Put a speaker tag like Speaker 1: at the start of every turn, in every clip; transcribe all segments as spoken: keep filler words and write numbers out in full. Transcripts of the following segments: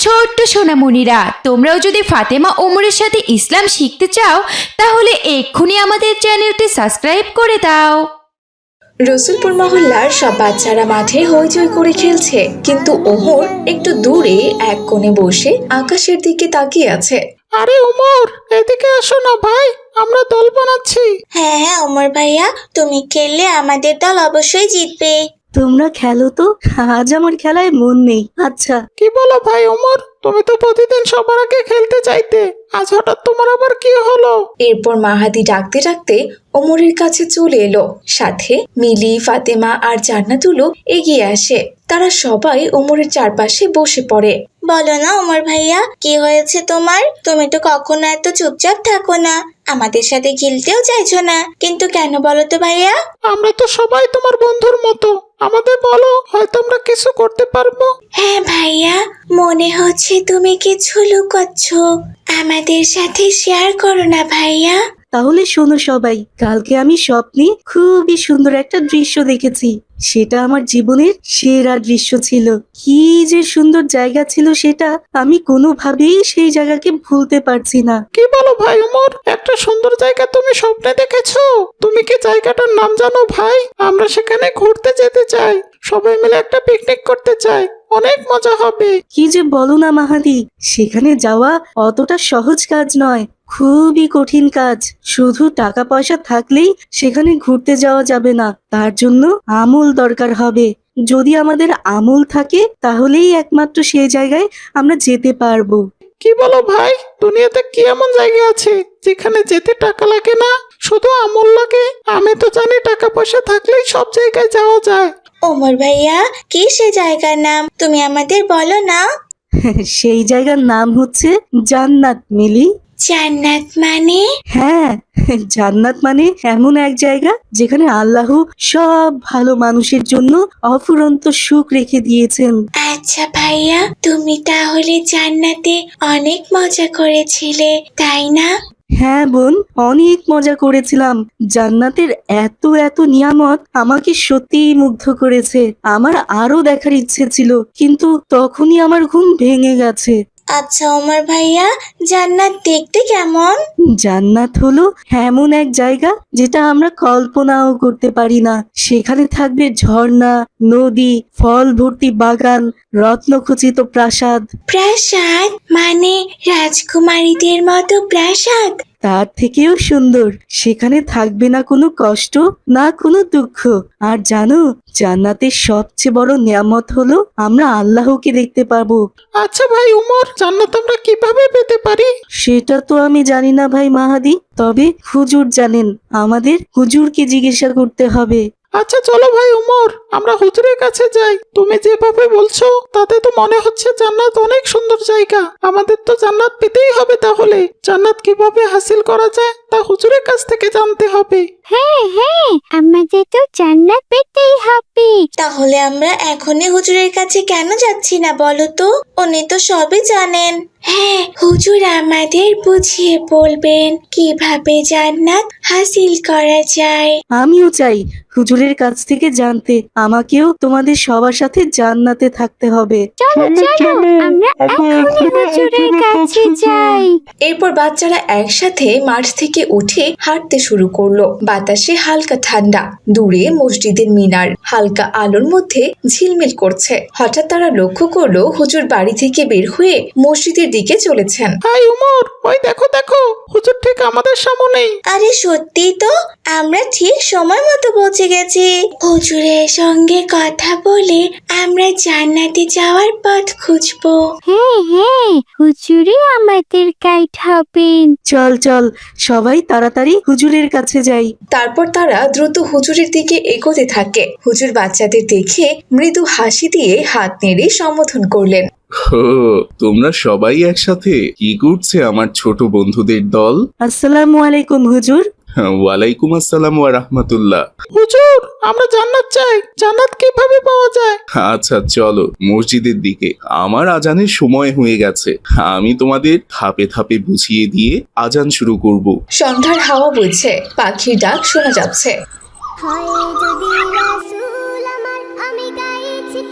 Speaker 1: ছোট্ট সোনামণিরা, তোমরাও যদি ফাতেমা ওমরের সাথে ইসলাম শিখতে চাও তাহলে এক্ষুনি আমাদের চ্যানেলটি সাবস্ক্রাইব করে দাও।
Speaker 2: রসুলপুর মহল্লার সব বাচ্চারা মাঠে হইচই করে খেলছে, কিন্তু ওমর একটু দূরে এক কোণে বসে আকাশের দিকে তাকিয়ে আছে।
Speaker 3: আরে ওমর, এদিকে আসো না ভাই, আমরা দল বানাচ্ছি।
Speaker 4: হ্যাঁ হ্যাঁ ওমর ভাইয়া, তুমি খেললে আমাদের দল অবশ্যই জিতবে।
Speaker 5: তোমরা খেলো তো, আজ আমার খেলায় মন নেই। আচ্ছা,
Speaker 3: কি বলো ভাই ওমর, তুমি তো প্রতিদিন সবার আগে খেলতে চাইতে, আজ হঠাৎ তোমার আবার কি হলো?
Speaker 2: এরপর মাহাদি ডাকতে ডাকতে ওমরের কাছে চলে এলো। সাথে মিলি, ফাতেমা আর জান্নাতুলও এগিয়ে আসে। তারা সবাই ওমরের চারপাশে বসে পড়ে।
Speaker 4: বলো না ওমর ভাইয়া, কি হয়েছে তোমার? তুমি তো কখনো এত চুপচাপ থাকো না, আমাদের সাথে খেলতেও চাইছো না, কিন্তু কেন বলো তো ভাইয়া?
Speaker 3: আমরা তো সবাই তোমার বন্ধুর মতো, আমাদের বলো, হয়তো আমরা কিছু করতে পারবো।
Speaker 4: হ্যাঁ ভাইয়া, মনে হচ্ছে তুমি কিছু লুকাচ্ছ, আমাদের সাথে শেয়ার করো না ভাইয়া।
Speaker 5: তাহলে শোনো সবাই, কালকে আমি স্বপ্নে খুবই সুন্দর একটা দৃশ্য দেখেছি। সেটা আমার জীবনের সেরা দৃশ্য ছিল। কি যে সুন্দর জায়গা ছিল সেটা, আমি কোনোভাবেই সেই জায়গাকে ভুলতে পারছি না।
Speaker 3: কি বলো ভাই ওমর, একটা সুন্দর জায়গা তুমি স্বপ্নে দেখেছো? তুমি কি জায়গাটার নাম জানো ভাই? আমরা সেখানে ঘুরতে যেতে চাই, সবাই মিলে একটা পিকনিক করতে চাই, অনেক মজা হবে।
Speaker 5: কি যে বলো না মাহাদি, সেখানে যাওয়া অতটা সহজ কাজ নয়, খুবই কঠিন কাজ। শুধু টাকা পয়সা থাকলেই সেখানে ঘুরতে যাওয়া যাবে না, তার জন্য আমল দরকার হবে। যদি আমাদের আমল থাকে তাহলেই একমাত্র সেই জায়গায় আমরা যেতে পারবো।
Speaker 3: কি বলো ভাই, দুনিয়াতে কি এমন জায়গা আছে যেখানে যেতে টাকা লাগে না, শুধু আমল লাগে? আমি তো জানি টাকা পয়সা থাকলেই সব জায়গায় যাওয়া যায়।
Speaker 4: ওমর ভাইয়া, কি সে জায়গার নাম তুমি আমাদের বলো না?
Speaker 5: সেই জায়গার নাম হচ্ছে জান্নাত মিলি।
Speaker 4: জান্নাত মানে?
Speaker 5: হ্যাঁ, জান্নাত মানে এমন এক জায়গা যেখানে আল্লাহ সব ভালো মানুষের জন্য অফুরন্ত সুখ রেখে দিয়েছেন।
Speaker 4: আচ্ছা ভাইয়া, তুমি তাহলে জান্নাতে অনেক মজা করেছিলে, তাই না?
Speaker 5: হ্যাঁ বোন, অনেক মজা করেছিলাম। জান্নাতের এত এত নিয়ামত আমাকে সত্যিই মুগ্ধ করেছে। আমার আরো দেখার ইচ্ছে ছিল, কিন্তু তখনই আমার ঘুম ভেঙে গেছে।
Speaker 4: আচ্ছা ওমর ভাইয়া, জান্নাত দেখতে কেমন?
Speaker 5: জান্নাত হলো এমন এক জায়গা যেটা আমরা কল্পনাও করতে পারি না। সেখানে থাকবে ঝর্ণা, নদী, ফল ভর্তি বাগান, রত্নখচিত প্রাসাদ।
Speaker 4: প্রাসাদ মানে রাজকুমারীদের মতো প্রাসাদ?
Speaker 5: তার থেকেও সুন্দর, সেখানে থাকবে না কোনো কষ্ট, না কোনো দুঃখ। আর জানো, জান্নাতের সবচেয়ে বড় নিয়ামত হলো আমরা আল্লাহকে দেখতে পাবো।
Speaker 3: আচ্ছা ভাই ওমর, জান্নাত আমরা কিভাবে পেতে পারি?
Speaker 5: সেটা তো আমি জানি না ভাই মাহাদি, তবে হুজুর জানেন। আমাদের হুজুরকে জিজ্ঞাসা করতে হবে।
Speaker 3: আচ্ছা চলো ভাই ওমর, আমরা হুজুরের কাছে যাই। তুমি যেভাবে বলছো তাতে তো মনে হচ্ছে জান্নাত অনেক সুন্দর জায়গা। আমাদের তো জান্নাত পেতেই হবে। তাহলে জান্নাত কিভাবে হাসিল করা যায় তা হুজুরের কাছ থেকে জানতে হবে।
Speaker 6: হ্যাঁ হ্যাঁ, আমাদের তো জান্নাত পেতেই হবে।
Speaker 4: তাহলে আমরা এখনই হুজুরের কাছে কেন যাচ্ছি না বলো তো? উনি তো সবই জানেন। হ্যাঁ, হুজুর আমাদের বুঝিয়ে বলবেন কিভাবে জান্নাত হাসিল করা যায়।
Speaker 5: আমিও চাই হুজুরের কাছ থেকে জানতে। আমাকেও তোমাদের সবার সাথে জান্নাতে থাকতে হবে।
Speaker 6: চলো চলো, আমরা এখনই হুজুরের কাছে যাই।
Speaker 2: এরপর বাচ্চারা একসাথে মাঠ থেকে উঠে হাঁটতে শুরু করলো। বাতাসে হালকা ঠান্ডা, দূরে মসজিদের মিনার হালকা আলোর মধ্যে ঝিলমিল করছে। হঠাৎ তারা লক্ষ্য করলো হুজুর বাড়ি থেকে বের হয়ে মসজিদের দিকে চলেছেন।
Speaker 3: হাই ওমর, ওই দেখো দেখো, হুজুর ঠিক আমাদের সামনেই।
Speaker 4: আরে সত্যি তো, আমরা ঠিক সময় মতো পৌঁছে গেছি। হুজুরের সঙ্গে কথা বলে আমরা জান্নাতে যাওয়ার পথ খুঁজবো।
Speaker 6: হ্যাঁ হ্যাঁ, হুজুরই আমাদের গাইড হবেন।
Speaker 5: চল চল, সবাই তাড়াতাড়ি হুজুরের কাছে যাই।
Speaker 2: তারপর তারা দ্রুত হুজুরের দিকে এগোতে থাকে। হুজুর বাচ্চাদের দেখে মৃদু হাসি দিয়ে হাত নেড়ে সম্বোধন করলেন।
Speaker 7: হো, তোমরা সবাই একসাথে? কি করছে আমার ছোট বন্ধুদের দল?
Speaker 5: আসসালামু আলাইকুম হুজুর।
Speaker 7: ওয়ালাইকুম আসসালাম ওয়া রাহমাতুল্লাহ।
Speaker 3: হুজুর, আমরা জান্নাত চাই। জান্নাত কিভাবে পাওয়া যায়?
Speaker 7: আচ্ছা চলো মসজিদের দিকে, আমার আজানের সময় হয়ে গেছে। আমি তোমাদের ধাপে ধাপে বুঝিয়ে দিয়ে আজান শুরু করব।
Speaker 2: সন্ধ্যার হাওয়া বইছে, পাখির ডাক শোনা যাচ্ছে।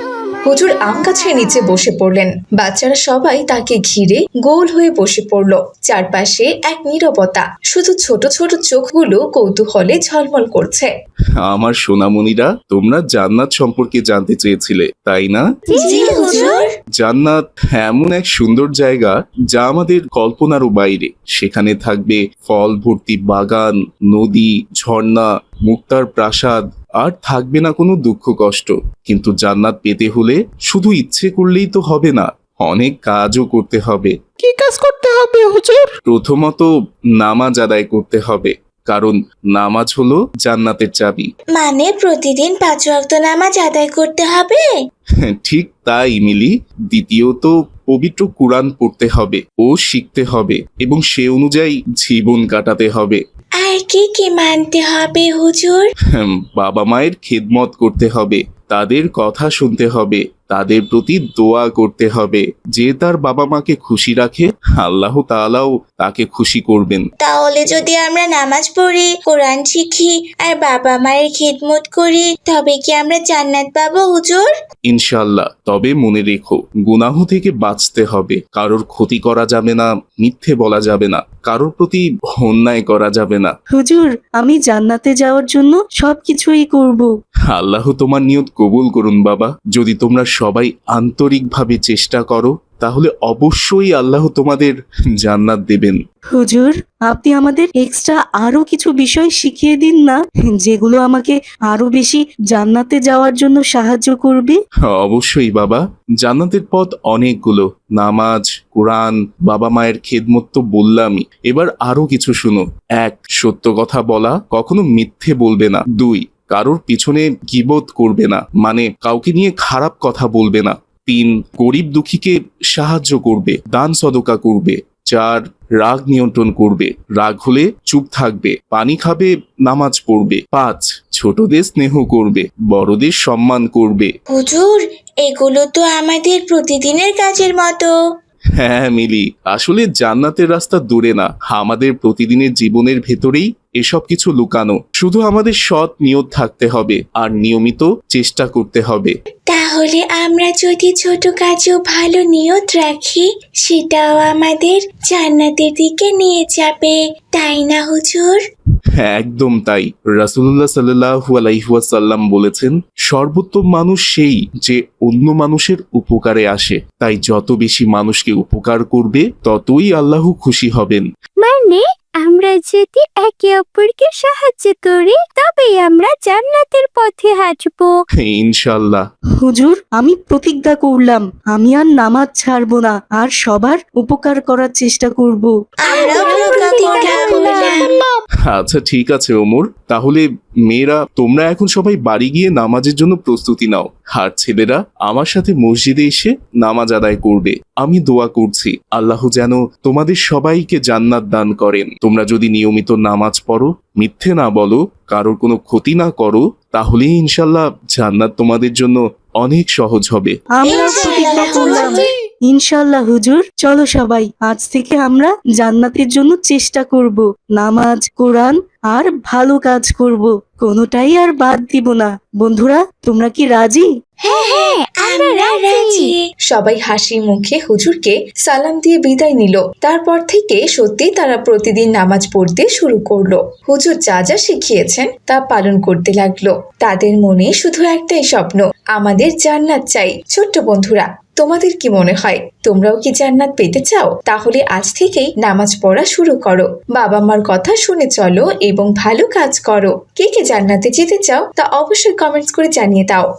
Speaker 2: হুজুর আম গাছের নিচে বসে পড়লেন। বাচ্চারা সবাই তাকে ঘিরে গোল হয়ে বসে পড়ল। চারপাশে এক নীরবতা, শুধু ছোট ছোট চোখগুলো কৌতূহলে ঝলমল করছে।
Speaker 7: আমার সোনামণিরা, তোমরা জান্নাত সম্পর্কে জানতে চেয়েছিলে, তাই না?
Speaker 4: জি হুজুর।
Speaker 7: জান্নাত এমন এক সুন্দর জায়গা যা আমাদের কল্পনারও বাইরে। সেখানে থাকবে ফল ভর্তি বাগান, নদী, ঝর্ণা, মুক্তার প্রাসাদ, আর থাকবে না কোনো দুঃখ কষ্ট। কিন্তু জান্নাত পেতে হলে শুধু ইচ্ছে করলেই তো হবে না, অনেক কাজও করতে হবে।
Speaker 3: কি কাজ করতে হবে হুজুর?
Speaker 7: প্রথমত নামাজ আদায় করতে হবে, কারণ নামাজ হলো জান্নাতের চাবি।
Speaker 4: মানে প্রতিদিন পাঁচ ওয়াক্ত নামাজ আদায় করতে হবে?
Speaker 7: ঠিক তাই মিলি। দ্বিতীয়ত পবিত্র কুরআন পড়তে হবে ও শিখতে হবে এবং সে অনুযায়ী জীবন কাটাতে হবে।
Speaker 4: আর কি কি মানতে হবে হুজুর?
Speaker 7: হুম, বাবা মায়ের খেদমত করতে হবে, তাদের কথা শুনতে হবে, তাদের প্রতি দোয়া করতে হবে। যে তার বাবা মাকে খুশি রাখে, আল্লাহ তাআলাও তাকে খুশি করবেন।
Speaker 4: তাহলে যদি আমরা নামাজ পড়ি, কোরআন শিখি আর বাবা মায়ের খিদমত করি, তবে কি আমরা জান্নাত পাবো হুজুর?
Speaker 7: ইনশাআল্লাহ। তবে মনে রেখো, গুনাহ থেকে বাঁচতে হবে। কারোর ক্ষতি করা যাবে না, মিথ্যে বলা যাবে না, কারোর প্রতি অন্যায় করা যাবে না।
Speaker 5: হুজুর, আমি জান্নাতে যাওয়ার জন্য সবকিছুই করব।
Speaker 7: আল্লাহ তোমার নিয়ত কবুল করুন বাবা। যদি তোমরা সবাই আন্তরিকভাবে চেষ্টা করো, তাহলে অবশ্যই আল্লাহ তোমাদের জান্নাত দেবেন।
Speaker 5: হুজুর, আপনি আমাদের এক্সট্রা আরো কিছু বিষয় শিখিয়ে দিন না, যেগুলো আমাকে আরো বেশি জান্নাতে যাওয়ার জন্য সাহায্য করবে।
Speaker 7: অবশ্যই বাবা, জান্নাতের পথ অনেকগুলো। নামাজ, কোরআন, বাবা মায়ের খেদমত তো বললামই। এবার আরো কিছু শুনো। এক, সত্য কথা বলা, কখনো মিথ্যে বলবে না। দুই, কারোর পিছনে গীবত করবে না, মানে কাউকে নিয়ে খারাপ কথা বলবে না। তিন, গরিব দুঃখীকে সাহায্য করবে, দান সদকা করবে। চার, রাগ নিয়ন্ত্রণ করবে, রাগ হলে চুপ থাকবে। পানি খাবে, নামাজ পড়বে। পাঁচ, ছোটদের স্নেহ করবে, বড়দের সম্মান করবে।
Speaker 4: হুজুর, এগুলো তো আমাদের প্রতিদিনের কাজের মতো।
Speaker 7: হ্যাঁ মিলি, আসলে জান্নাতের রাস্তা দূরে না, আমাদের প্রতিদিনের জীবনের ভেতরেই এসব কিছু লুকানো। শুধু আমাদের সৎ নিয়ত থাকতে হবে আর নিয়মিত চেষ্টা করতে হবে।
Speaker 4: তাহলে আমরা যদি ছোট কাজেও ভালো নিয়ত রাখি, সেটাও আমাদের জান্নাতের দিকে নিয়ে যাবে, তাই না হুজুর?
Speaker 7: হ্যাঁ, একদম তাই। রাসূলুল্লাহ সাল্লাল্লাহু আলাইহি ওয়াসাল্লাম বলেছেন, সর্বোত্তম মানুষ সেই যে অন্য মানুষের উপকারে আসে। তাই যত বেশি মানুষকে উপকার করবে, ততই আল্লাহ খুশি হবেন।
Speaker 6: মানে আমরা যদি একে অপরকে সাহায্য করি, তবেই আমরা জান্নাতের পথে হাঁটবো।
Speaker 7: ইনশাআল্লাহ।
Speaker 5: হুজুর, আমি প্রতিজ্ঞা করলাম, আমি আর নামাজ ছাড়বো না, আর সবার উপকার করার চেষ্টা করব।
Speaker 4: আমরাও প্রতিজ্ঞা করলাম।
Speaker 7: আচ্ছা ঠিক আছে ওমর, তাহলে মেয়েরা তোমরা এখন সবাই বাড়ি গিয়ে নামাজের জন্য প্রস্তুতি নাও, আর ছেলেরা আমার সাথে মসজিদে এসে নামাজ আদায় করবে। আমি দোয়া করছি আল্লাহ যেন তোমাদের সবাইকে জান্নাত দান করেন। তোমরা যদি নিয়মিত নামাজ পড়ো, মিথ্যে না বলো, কারোর কোনো ক্ষতি না করো, তাহলেই ইনশাল্লাহ জান্নাত তোমাদের জন্য অনেক সহজ হবে।
Speaker 5: আমরা প্রতিজ্ঞা করলাম। ইনশাল্লাহ হুজুর, চলো সবাই আজ থেকে আমরা জান্নাতের জন্য চেষ্টা করব। নামাজ, কোরআন আর ভালো কাজ করব, কোনোটাই আর বাদ দিব না। বন্ধুরা, তোমরা কি রাজি?
Speaker 4: হ্যাঁ হ্যাঁ, আমরা রাজি।
Speaker 2: সবাই হাসি মুখে হুজুরকে সালাম দিয়ে বিদায় নিল। তারপর থেকে সত্যি তারা প্রতিদিন নামাজ পড়তে শুরু করলো। হুজুর যা যা শিখিয়েছেন তা পালন করতে লাগলো। তাদের মনে শুধু একটাই স্বপ্ন, আমাদের জান্নাত চাই। ছোট্ট বন্ধুরা, তোমাদের কি মনে হয়, তোমরাও কি জান্নাত পেতে চাও? তাহলে আজ থেকেই নামাজ পড়া শুরু করো, বাবা মার কথা শুনে চলো এবং ভালো কাজ করো। কে কে জান্নাতে যেতে চাও তা অবশ্যই কমেন্টস করে জানিয়ে দাও।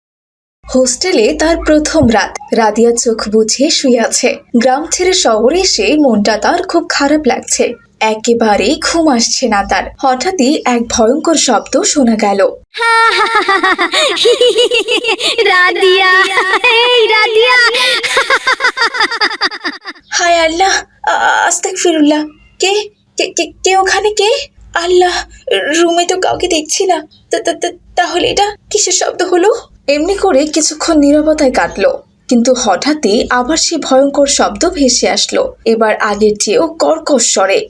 Speaker 2: হোস্টেলে তার প্রথম রাত। রাদিয়া চোখ বুঝিয়ে শুয়ে আছে। গ্রাম ছেড়ে শহরে এসে মনটা তার খুব খারাপ লাগছে। একেবারেই ঘুম আসছে না তার। হঠাৎই এক ভয়ঙ্কর শব্দ শোনা গেল।
Speaker 6: রাদিয়া, এই রাদিয়া।
Speaker 2: হায় আল্লাহ, আস্তাগফিরুল্লাহ। কে কে কে- কে ওখানে? কে? আল্লাহ, রুমে তো কাউকে দেখছি না। তা- তা- তা- তাহলে এটা কিসের শব্দ হলো? এমনি করে কিছুক্ষণ নীরবতায় কাটলো। কিন্তু হঠাৎই আবার সে ভয়ঙ্কর শব্দ ভেসে আসলো, এবার আগের চেয়েও কর্কশ স্বরে।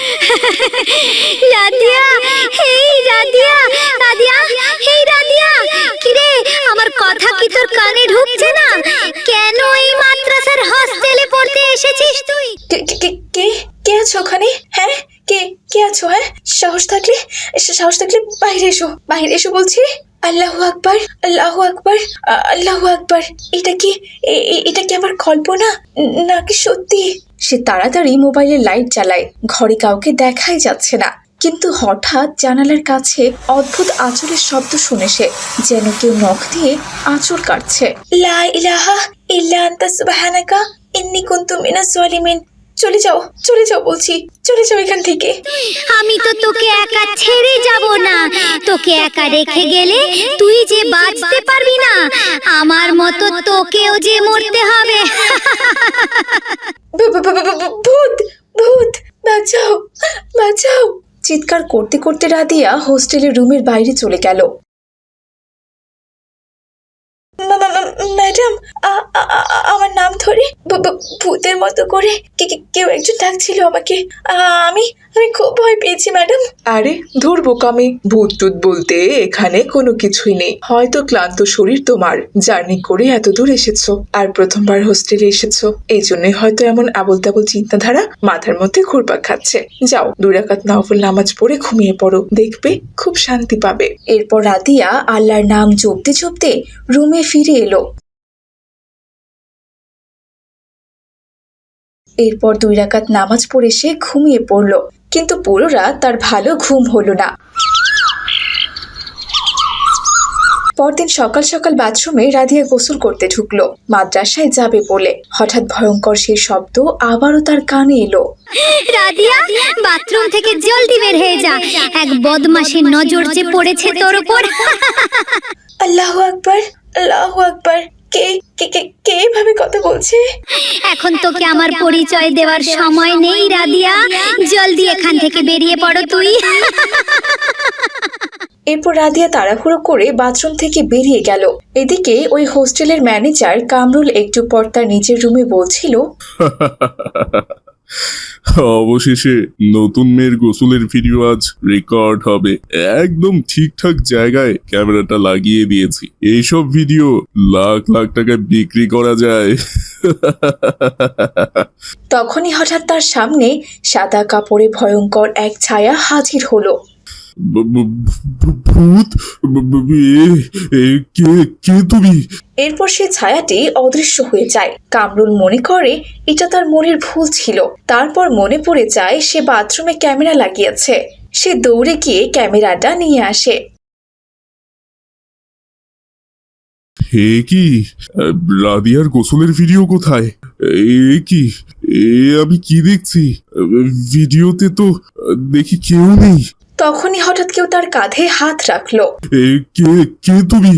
Speaker 6: রাদিয়া, হেই রাদিয়া, রাদিয়া, হেই রাদিয়া, কিরে আমার কথা কি তোর কানে ঢুকছে না? কেন এই মাদ্রাসার হস্টেলে পড়তে এসেছিস তুই?
Speaker 2: কে কে কে কে আছো ওখানে? হ্যাঁ, কে কে আছো? হ্যাঁ, সাহস থাকলে সাহস থাকলে বাইরে এসো, বাইরে এসো বলছি। আল্লাহু আকবার, আল্লাহু আকবার, আল্লাহু আকবার। এটা কি এটা কি আমার কল্পনা নাকি সত্যি? সে তাড়াতাড়ি মোবাইলের লাইট জ্বালায়, ঘরে কাউকে দেখাই যাচ্ছে না। কিন্তু হঠাৎ জানালার কাছে অদ্ভুত আঁচড়ের শব্দ শুনে সে যেন কেউ নখ দিয়ে আঁচড় কাটছে।
Speaker 4: লা ইলাহা ইল্লা আনতা সুবহানাকা ইন্নী কুনতু মিনাজ জালিমিন।
Speaker 2: চলে যাও, চলে যাও বলছি, চলে যাও এখান থেকে।
Speaker 6: আমি তো তোকে একা ছেড়ে যাব না। তোকে একা রেখে গেলে তুই যে বাঁচতে পারবি না, আমার মতো তোকেও যে মরতে হবে।
Speaker 2: ভূত, ভূত, বাঁচাও, বাঁচাও। চিৎকার করতে করতে রাদিয়া হোস্টেলের রুমের বাইরে চলে গেল। ম্যাডাম, আমার নাম ধরে ভূতের মতো করে কেউ একজন ডাকছিল আমাকে। আমি আমি খুব ভয় পেয়েছি ম্যাডাম।
Speaker 8: আরে ধুর বোকামি, ভূত টুত বলতে এখানে কোনো কিছুই নেই। হয়তো ক্লান্ত শরীর তোমার, জার্নি করে এত দূর এসেছো আর প্রথমবার হোস্টেলে এসেছো, এই জন্যই হয়তো এমন আবল তাবল চিন্তাধারা মাথার মধ্যে ঘুরপাক খাচ্ছে। যাও দুই রাকাত নফল নামাজ পড়ে ঘুমিয়ে পড়ো, দেখবে খুব শান্তি পাবে।
Speaker 2: এরপর রাদিয়া আল্লাহর নাম জপতে জপতে রুমে ফিরে এলো। এরপর দুই রাকাত নামাজ পড়ে সে ঘুমিয়ে পড়ল, কিন্তু পুরো রাত তার ভালো ঘুম হলো না। পরদিন সকাল সকাল বাথরুমে রাদিয়া গোসল করতে ঢুকলো মাদ্রাসায় যাবে বলে। হঠাৎ ভয়ঙ্কর সেই শব্দ আবারও তার কানে এলো।
Speaker 6: রাদিয়া, বাথরুম থেকে জলদি বের হয়ে যা, এক বদমাশের নজর যে পড়েছে তোর উপর।
Speaker 2: আল্লাহু আকবার, আল্লাহু আকবার। কে কে কে কে এভাবে কথা বলছে?
Speaker 6: এখন তোকে আমার পরিচয় দেওয়ার সময় নেই রাদিয়া, জলদি এখান থেকে বেরিয়ে পড়ো তুই।
Speaker 2: এরপর রাদিয়া তাড়াহুড়ো করে বাথরুম থেকে বেরিয়ে গেল। এদিকে ওই হোস্টেলের ম্যানেজার কামরুল একটু পর তার নিজের রুমে বলছিল,
Speaker 7: অবশেষে নতুন মেয়ের গোসলের ভিডিও আজ রেকর্ড হবে। একদম ঠিকঠাক জায়গায় ক্যামেরাটা লাগিয়ে দিয়েছি। এইসব ভিডিও লাখ লাখ টাকায় বিক্রি করা যায়।
Speaker 2: তখনই হঠাৎ তার সামনে সাদা কাপড়ে ভয়ঙ্কর এক ছায়া হাজির হলো।
Speaker 7: ভূত, কে কে তুমি?
Speaker 2: এরপর সে ছায়াটি অদৃশ্য হয়ে যায়। কামরুল মনে করে এটা তার মনের ভুল ছিল। তারপর মনে পড়ে যায় সে বাথরুমে ক্যামেরা লাগিয়েছে। সে দৌড়ে গিয়ে ক্যামেরাটা নিয়ে আসে।
Speaker 7: হে কি, রাদিয়ার গোসলের ভিডিও কোথায়? এ কি, এ আমি কি দেখছি? ভিডিওতে তো দেখি কেউ নেই।
Speaker 2: তখনই হঠাৎ কেউ তার কাঁধে হাত রাখলো।
Speaker 7: এ কে কে তুমি?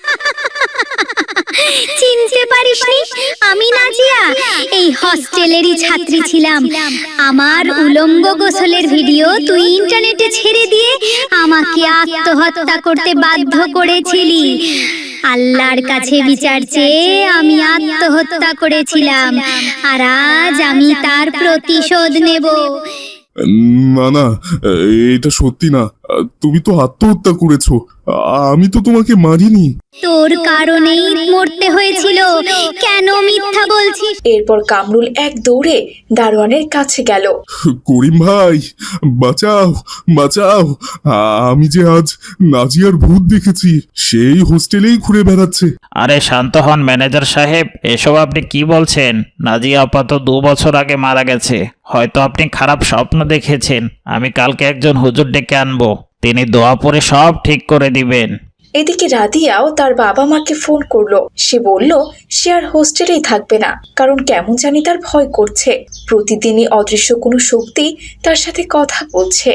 Speaker 6: চিনতে পারিসনি? আমি নাজিয়া, এই হস্টেলেরই ছাত্রী ছিলাম। আমার উলঙ্গ গোসলের ভিডিও তুই ইন্টারনেটে ছেড়ে দিয়ে আমাকে আত্মহত্যা করতে বাধ্য করেছিলি। আল্লাহর কাছে বিচার চেয়ে আমি আত্মহত্যা করেছিলাম, আর আজ আমি তার প্রতিশোধ নেব।
Speaker 7: না না, এটা সত্যি না। তুমি তো আত্মহত্যা করেছো, আমি তো তোমাকে মারিনি।
Speaker 6: তোর কারণেই মরতে হয়েছিল, কেন মিথ্যা বলছিস?
Speaker 2: এরপর কামরুল এক দৌড়ে দারোয়ানের কাছে গেল।
Speaker 7: করিম ভাই, বাঁচাও বাঁচাও, আমি যে আজ নাজিয়ার ভূত দেখেছি, সেই হোস্টেলেই ঘুরে বেড়াচ্ছে।
Speaker 9: আরে শান্ত হন ম্যানেজার সাহেব, এসব আপনি কি বলছেন? নাজিয়া আপা তো দু বছর আগে মারা গেছে। হয়তো আপনি খারাপ স্বপ্ন দেখেছেন। আমি কালকে একজন হুজুর ডেকে আনবো, তিনি দোয়া পড়ে সব ঠিক করে দিবেন।
Speaker 2: এদিকে রাদিয়াও তার বাবা মাকে ফোন করলো। সে বলল সে আর হোস্টেলেই থাকবে না, কারণ কেমন জানি তার ভয় করছে। প্রতিদিনই অদৃশ্য কোনো শক্তি তার সাথে কথা বলছে।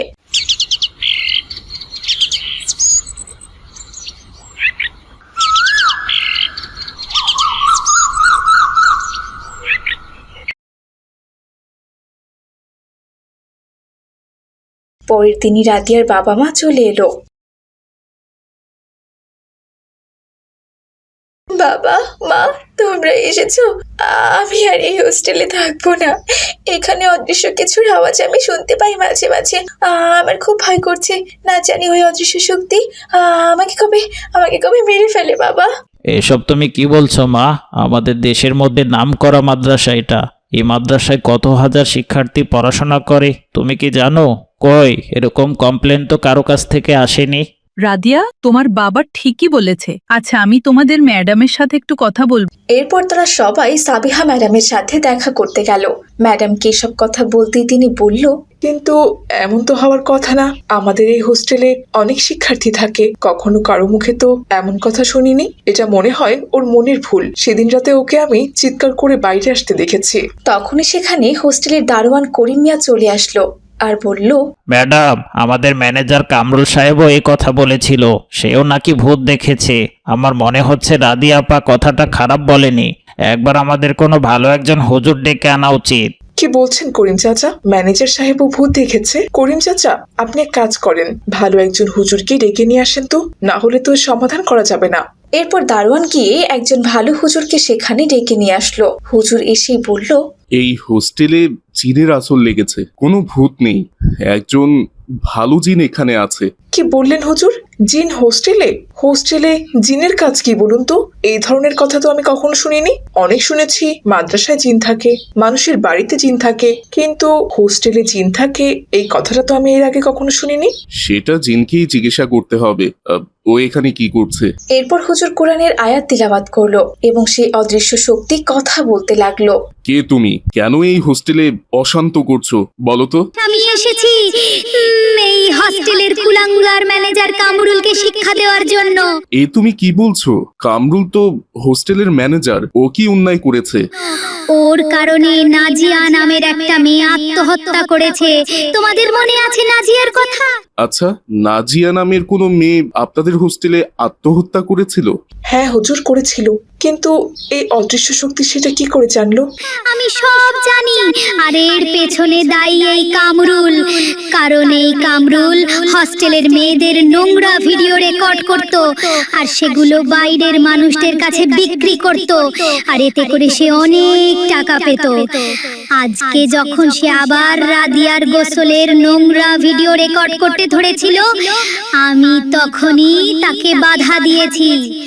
Speaker 2: পরের দিনই রাদিয়ার বাবা মা চলে এলো। বাবা মা তোমরা এসেছো। আমি আর এই হোস্টেলে থাকবো না। এখানে অদৃশ্য কিছুর আওয়াজ আমি শুনতে পাই মাঝে মাঝে। আহ, আমার খুব ভয় করছে। না জানি ওই অদৃশ্য শক্তি আহ, আমাকে কবে আমাকে কবে মেরে ফেলে বাবা।
Speaker 9: এসব তুমি কি বলছো মা? আমাদের দেশের মধ্যে নামকরা মাদ্রাসা এটা। এই মাদ্রাসায় কত হাজার শিক্ষার্থী পড়াশোনা করে তুমি কি জানো? কই এরকম কমপ্লেন তো কারো কাছ থেকে আসেনি।
Speaker 10: রাদিয়া, তোমার বাবা ঠিকই বলেছে। আচ্ছা, আমি তোমাদের ম্যাডামের সাথে একটু কথা বলবো।
Speaker 2: এরপর তারা সবাই সাবিহা ম্যাডামের সাথে দেখা করতে গেল। ম্যাডামকে এসব কথা বলতেই তিনি বলল,
Speaker 8: কিন্তু এমন তো হওয়ার কথা না। আমাদের এই হোস্টেলে অনেক শিক্ষার্থী থাকে, কখনো কারো মুখে তো এমন কথা শুনিনি। এটা মনে হয় ওর মনের ভুল। সেদিন রাতে ওকে আমি চিৎকার করে বাইরে আসতে দেখেছি।
Speaker 2: তখনই সেখানে হোস্টেলের দারোয়ান করিম মিয়া চলে আসলো আর বলল,
Speaker 9: ম্যাডাম, আমাদের ম্যানেজার কামরুল সাহেবও এই কথা বলেছিল। সেও নাকি ভূত দেখেছে। আমার মনে হচ্ছে রাদিয়া আপা কথাটা খারাপ বলেনি। একবার আমাদের কোনো ভালো একজন হুজুর ডেকে আনা উচিত।
Speaker 8: কি বলছেন করিম চাচা? ম্যানেজার সাহেবও ভূত দেখেছে? করিম চাচা, আপনি এক কাজ করেন, ভালো একজন হুজুরকে ডেকে নিয়ে আসেন তো, না হলে তো এর সমাধান করা যাবে না।
Speaker 2: এরপর দারোয়ান গিয়ে একজন ভালো হুজুরকে সেখানে ডেকে নিয়ে আসলো। হুজুর এসেই বলল,
Speaker 7: এই হোস্টেলে জিনের আসর লেগেছে, কোনো ভূত নেই, একজন ভালো জিন এখানে আছে।
Speaker 8: কি বললেন হুজুর? জিন হোস্টেলে? হোস্টেলে জিনের কাজ কি বলুন তো? এই ধরনের কথা তো আমি কখনো শুনিনি। অনেক শুনেছি মাদ্রাসায় জিন থাকে, মানুষের বাড়িতে জিন থাকে, কিন্তু হোস্টেলে জিন থাকে এই কথাটা তো আমি এর আগে কখনো শুনিনি।
Speaker 7: সেটা জিনকেই জিজ্ঞাসা করতে হবে। আহ, ও এখানে কি করছে?
Speaker 2: এরপর হুজুর কোরআনের আয়াত তিলাওয়াত করলো এবং সেই অদৃশ্য শক্তি কথা বলতে লাগলো।
Speaker 7: কে তুমি? কেন এই হোস্টেলে অশান্ত করছো বলো তো?
Speaker 6: আমি এসেছি উম, এই হস্টেলের কুলাঙ্গার ম্যানেজার কামরুলকে শিক্ষা দেওয়ার জন্য।
Speaker 7: এ তুমি কি বলছো? কামরুল তো হোস্টেলের ম্যানেজার, ও কি অন্যায় করেছে?
Speaker 6: ওর কারণে নাজিয়া নামের একটা মেয়ে আত্মহত্যা করেছে। তোমাদের মনে আছে নাজিয়ার কথা?
Speaker 7: আচ্ছা, নাজিয়া নামের কোনো মেয়ে আপনাদের হোস্টেলে আত্মহত্যা করেছিল?
Speaker 8: হ্যাঁ হুজুর, করেছিল। কিন্তু এই অদৃশ্য শক্তি সেটা কি করে জানলো?
Speaker 6: আমি সব জানি। আর এর পেছনে দায়ী এই কামরুল। কারণ এই কামরুল হস্টেলের মেয়েদের নোংরা ভিডিও রেকর্ড করত আর সেগুলো বাইরের মানুষদের কাছে বিক্রি করত, আর এতে করে সে অনেক টাকা পেত। আজকে যখন সে আবার রাদিয়ার গোসলের নোংরা ভিডিও রেকর্ড করতে ধরেছিল, আমি তখনই তাকে বাধা দিয়েছি।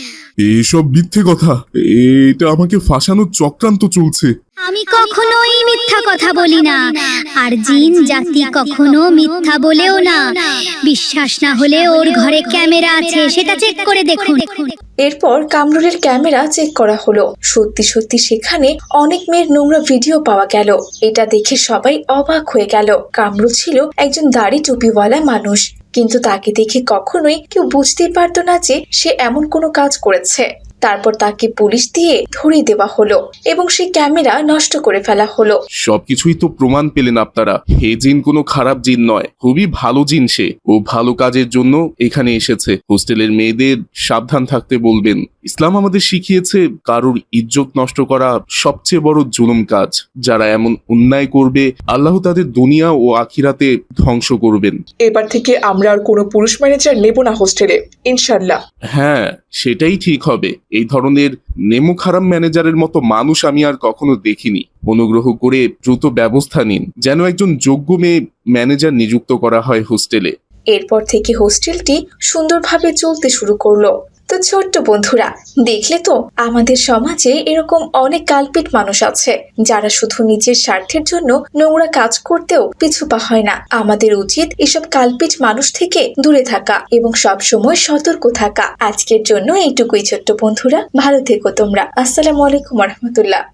Speaker 7: এসব মিথ্যে কথা, এটা আমাকে ফাঁসানোর চক্রান্ত চলছে।
Speaker 6: আমি কখনোই মিথ্যা কথা বলি না, আর জিন জাতি কখনো মিথ্যা বলেও না। বিশ্বাস না হলে ওর ঘরে ক্যামেরা আছে, সেটা চেক করে দেখুন।
Speaker 2: এরপর কামরুলের ক্যামেরা চেক করা হলো। সত্যি সত্যি সেখানে অনেক মেয়ের নোংরা ভিডিও পাওয়া গেল। এটা দেখে সবাই অবাক হয়ে গেল। কামরুল ছিল একজন দাড়ি টুপিওয়ালা মানুষ, কিন্তু তাকে দেখে কখনোই কেউ বুঝতেই পারতো না যে সে এমন কোনো কাজ করেছে। তারপর তাকে পুলিশ দিয়ে ধরিয়ে দেওয়া হলো এবং সেই ক্যামেরা নষ্ট করে ফেলা হলো।
Speaker 7: সবকিছুই তো প্রমাণ পেলেন আপনারা। হে জিন কোনো খারাপ জিন নয়, খুবই ভালো জিন সে। ও ভালো কাজের জন্য এখানে এসেছে। হোস্টেলের মেয়েদের সাবধান থাকতে বলবেন। ইসলাম আমাদের শিখিয়েছে কারোর ইজ্জত নষ্ট করা সবচেয়ে বড় জুলুম কাজ। যারা এমন অন্যায় করবে আল্লাহ তাদের দুনিয়া ও আখিরাতে ধ্বংস করবেন।
Speaker 8: এবার থেকে আমরা আর কোনো পুরুষ ম্যানেজার নেব না হোস্টেলে, ইনশাল্লাহ।
Speaker 7: হ্যাঁ, সেটাই ঠিক হবে। এই ধরনের নেমো খারাপ ম্যানেজারের মতো মানুষ আমি আর কখনো দেখিনি। অনুগ্রহ করে দ্রুত ব্যবস্থা নিন যেন একজন যোগ্য মেয়ে ম্যানেজার নিযুক্ত করা হয় হোস্টেলে।
Speaker 2: এরপর থেকে হোস্টেলটি সুন্দরভাবে চলতে শুরু করলো। তো ছোট্ট বন্ধুরা, দেখলে তো আমাদের সমাজে এরকম অনেক কালপিট মানুষ আছে যারা শুধু নিজের স্বার্থের জন্য নোংরা কাজ করতেও পিছুপা হয় না। আমাদের উচিত এসব কালপিট মানুষ থেকে দূরে থাকা এবং সব সময় সতর্ক থাকা। আজকের জন্য এইটুকুই ছোট্ট বন্ধুরা, ভালো থেকো তোমরা। আসসালামু আলাইকুম রহমতুল্লাহ।